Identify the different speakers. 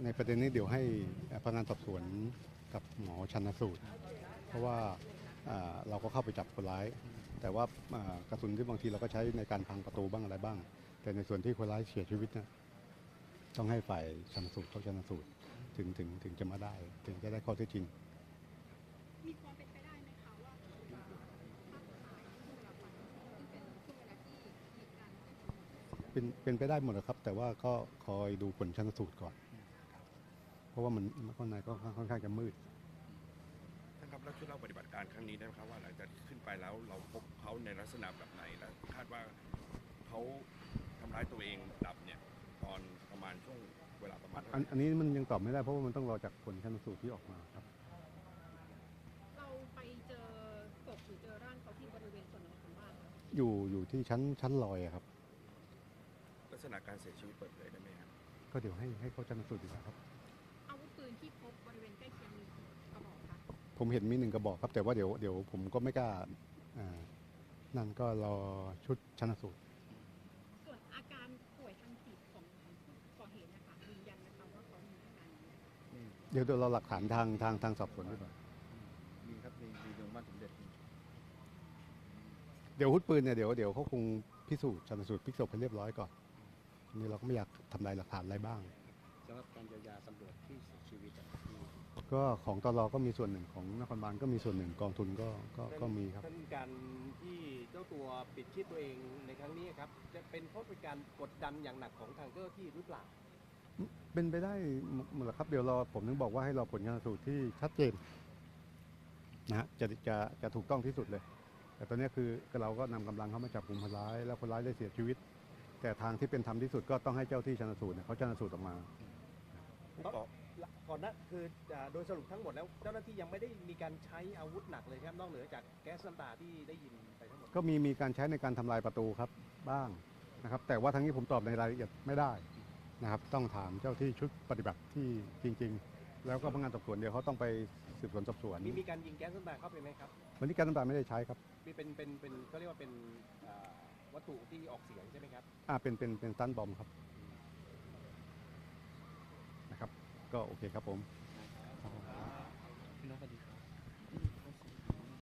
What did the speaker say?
Speaker 1: ในประเด็นนี้เดี๋ยวให้พนักงานสอบสวนกับหมอชันสูตรเพราะว่าเราก็เข้าไปจับคนร้าย แต่ว่ากระสุนที่บางทีเราก็ใช้ในการพังประตูบ้างอะไรบ้าง แต่ในส่วนที่คนร้ายเสียชีวิตนะต้องให้ฝ่ายชันสูตรเขาชันสูตรถึงจะมาได้ถึงจะได้ข้อเท็จจริง
Speaker 2: มีความเป็นไปได้ไหมคะว่าเขาจะฆ่าตัวตายในช่วงเวลาวันซึ่งเป็นช่วงเวลาที่เหตุการณ์
Speaker 1: เป็นไปได้หมดนะครับแต่ว่าก็คอยดูผลชันสูตรก่อน เพราะว่ามันข้างในก็ค่อนข้างจะมืด
Speaker 3: ท่านครับแล้วช่วยเล่าปฏิบัติการครั้งนี้ได้ไหมครับว่าหลังจากที่ขึ้นไปแล้วเราพบเขาในลักษณะแบบไหนและคาดว่าเขาทำร้ายตัวเองดับเนี่ยตอนประมาณช่วงเวลาประมาณ
Speaker 1: อันนี้มันยังตอบไม่ได้เพราะว่ามันต้องรอจากผลชันสูตรที่ออกมาครับ
Speaker 2: เราไปเจอศพหรือเจอร่างเขาที่บริเวณส่วนไหนของบ้านคะ
Speaker 1: อยู่ที่ชั้นลอยครับ
Speaker 3: ลักษณะการเสียชีวิตเปิดเผยได้ไหมครับ
Speaker 1: ก็เดี๋ยวให้เขาชันสูตรดีกว่าครับ
Speaker 2: อาวุธปืนที่พบบริเวณใกล้เคียงมีกระบอกคะ
Speaker 1: ผมเห็นมี1 กระบอกครับแต่ว่าเดี๋ยวผมก็ไม่กล้านั่นก็รอชุดชันสูตร
Speaker 2: ส่วนอาการป่วยทางจิตของผู้ก่อเหตุนะคะยืนยันนะคะว่าเขามีอาการนี้
Speaker 1: เดี๋ยวเราหลักฐานทางสอบสวนดีกว่า
Speaker 4: มีครับมีโรงพยาบาลสมเด็จ
Speaker 1: เดี๋ยวอาวุธปืนเนี่ยเดี๋ยวเขาคงพิสูจน์ชันสูตรพลิกศพให้เรียบร้อยก่อนนี่เราก็ไม่อยากทำลายหลักฐานอะไรบ้าง
Speaker 4: สำหรับการเยียวยาตำรวจที่เสียชีวิต
Speaker 1: ก็ของตลก็มีส่วนหนึ่งของนครบาลก็มีส่วนหนึ่งกองทุนก็มีครับ
Speaker 4: ท่านการที่เจ้าตัวปิดชีพตัวเองในครั้งนี้ครับจะเป็นเพราะเป็นการกดดันอย่างหนักของทางเจ้าหน้าที่หรือเปล่า
Speaker 1: เป็นไปได้หมดแหละครับเดี๋ยวผมถึงบอกว่าให้รอผลชันสูตรที่ชัดเจนนะฮะจะถูกต้องที่สุดเลยแต่ตอนนี้คือเราก็นำกำลังเข้ามาจับกลุ่มคนร้ายแล้วคนร้ายได้เสียชีวิตแต่ทางที่เป็นธรรมที่สุดก็ต้องให้เจ้าที่ชันสูตรเขาชันสูตรออกมา
Speaker 4: ก่อนนะคือโดยสรุปทั้งหมดแล้วเจ้าหน้าที่ยังไม่ได้มีการใช้อาวุธหนักเลยครับนอกเหนือจากแก๊สน้ำตาที่ได้ยินไปทั้งหมด
Speaker 1: ก็มีการใช้ในการทำลายประตูครับบ้างนะครับแต่ว่าทั้งนี้ผมตอบในรายละเอียดไม่ได้นะครับต้องถามเจ้าที่ชุดปฏิบัติที่จริงๆแล้วก็พนักงานสอบสวนเดี๋ยวเขาต้องไปสืบสวนสอบสวน
Speaker 4: มีการยิงแก๊สน้ำตาเข้าไปไหมครับ
Speaker 1: วันนี้แก๊สน้ำตาไม่ได้ใช้ครับ
Speaker 4: เป็นเขาเรียกว่าเป็นวัตถุที่ออกเสียงใช่ไหมครับ
Speaker 1: เป็นสตันบอมครับนะครับก็โอเคครับผม
Speaker 4: พี่น้องสวัสดี